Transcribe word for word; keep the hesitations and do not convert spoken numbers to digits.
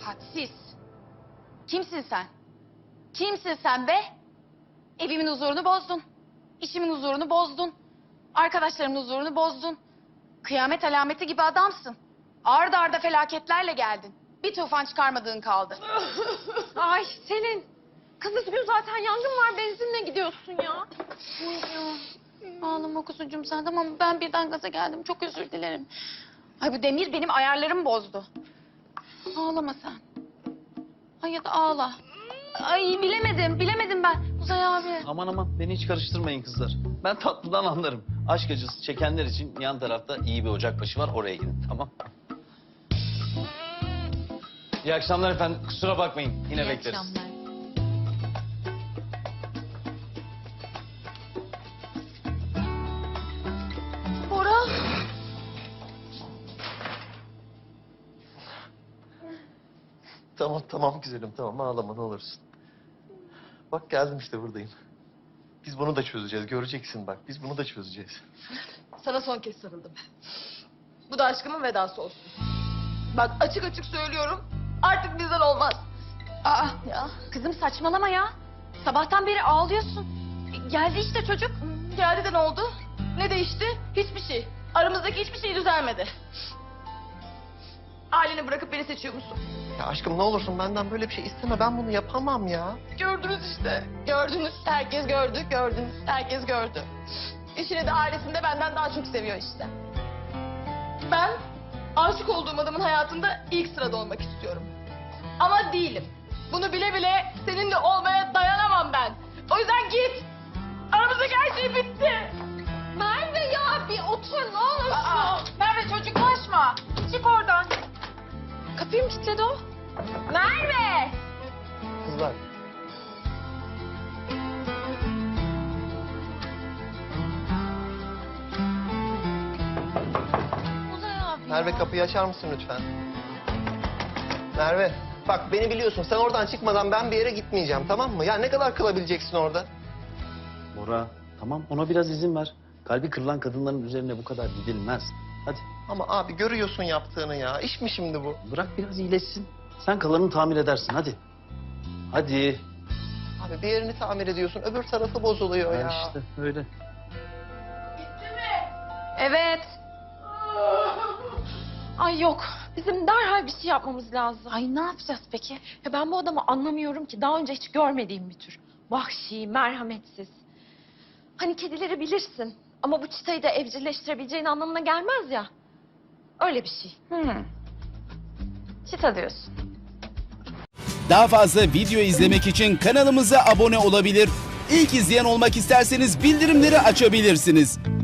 Hadsiz. Kimsin sen? Kimsin sen be? Evimin huzurunu bozdun. İşimin huzurunu bozdun. Arkadaşlarımın huzurunu bozdun. Kıyamet alameti gibi adamsın. Arda arda felaketlerle geldin. Bir tufan çıkarmadığın kaldı. Ay Selin. Kız üzgün zaten yangın var benzinle gidiyorsun ya. Ağlama kuzucuğum sen, tamam mı? Ben birden gaza geldim. Çok özür dilerim. Ay bu Demir benim ayarlarımı bozdu. Ağlama sen. Ay ya da ağla. Ay bilemedim, bilemedim ben. Uzay abi. Aman aman beni hiç karıştırmayın kızlar. Ben tatlıdan anlarım. Aşk acısı çekenler için yan tarafta iyi bir ocakbaşı var. Oraya gidin, tamam. İyi akşamlar efendim. Kusura bakmayın. Yine İyi bekleriz. akşamlar. Bora. Tamam tamam güzelim tamam ağlama ne olursun. Bak geldim işte buradayım. Biz bunu da çözeceğiz göreceksin bak biz bunu da çözeceğiz. Sana son kez sarıldım. Bu da aşkımın vedası olsun. Bak açık açık söylüyorum. Artık bizden olmaz. Aa ya kızım saçmalama ya. Sabahtan beri ağlıyorsun. Geldi işte çocuk. Geldi de ne oldu? Ne değişti? Hiçbir şey. Aramızdaki hiçbir şey düzelmedi. Aileni bırakıp beni seçiyor musun? Ya aşkım ne olursun benden böyle bir şey isteme ben bunu yapamam ya. Gördünüz işte. Gördünüz. Herkes gördü. Gördünüz. Herkes gördü. Eşini de ailesini de benden daha çok seviyor işte. Ben aşık olduğum adamın hayatında ilk sırada olmak istiyorum. Ama değilim. Bunu bile bile seninle olmaya dayanamam ben. O yüzden git. Aramızdaki her şey bitti. Merve ya bir otur ne olursun. Aa, Merve çocuklaşma. Çık oradan. Kapıyı mı kilitledi o? Merve! Kızlar. Uzay abi Merve ya. kapıyı açar mısın lütfen? Merve bak beni biliyorsun sen oradan çıkmadan ben bir yere gitmeyeceğim tamam mı? Ya ne kadar kalabileceksin orada? Bora, tamam ona biraz izin ver. Kalbi kırılan kadınların üzerine bu kadar gidilmez. Hadi Ama abi görüyorsun yaptığını ya iş mi şimdi bu? bırak biraz iyileşsin. Sen kalanını tamir edersin hadi. Hadi. Abi bir yerini tamir ediyorsun öbür tarafı bozuluyor Ha ya. işte öyle. Evet. Ay yok. Bizim derhal bir şey yapmamız lazım. Ay ne yapacağız peki? Ya ben bu adamı anlamıyorum ki. Daha önce hiç görmediğim bir tür. Vahşi, merhametsiz. Hani kedileri bilirsin. Ama bu çıtayı da evcilleştirebileceğin anlamına gelmez ya. Öyle bir şey. Hmm. Çita diyorsun. Daha fazla video izlemek için kanalımıza abone olabilir. İlk izleyen olmak isterseniz bildirimleri açabilirsiniz.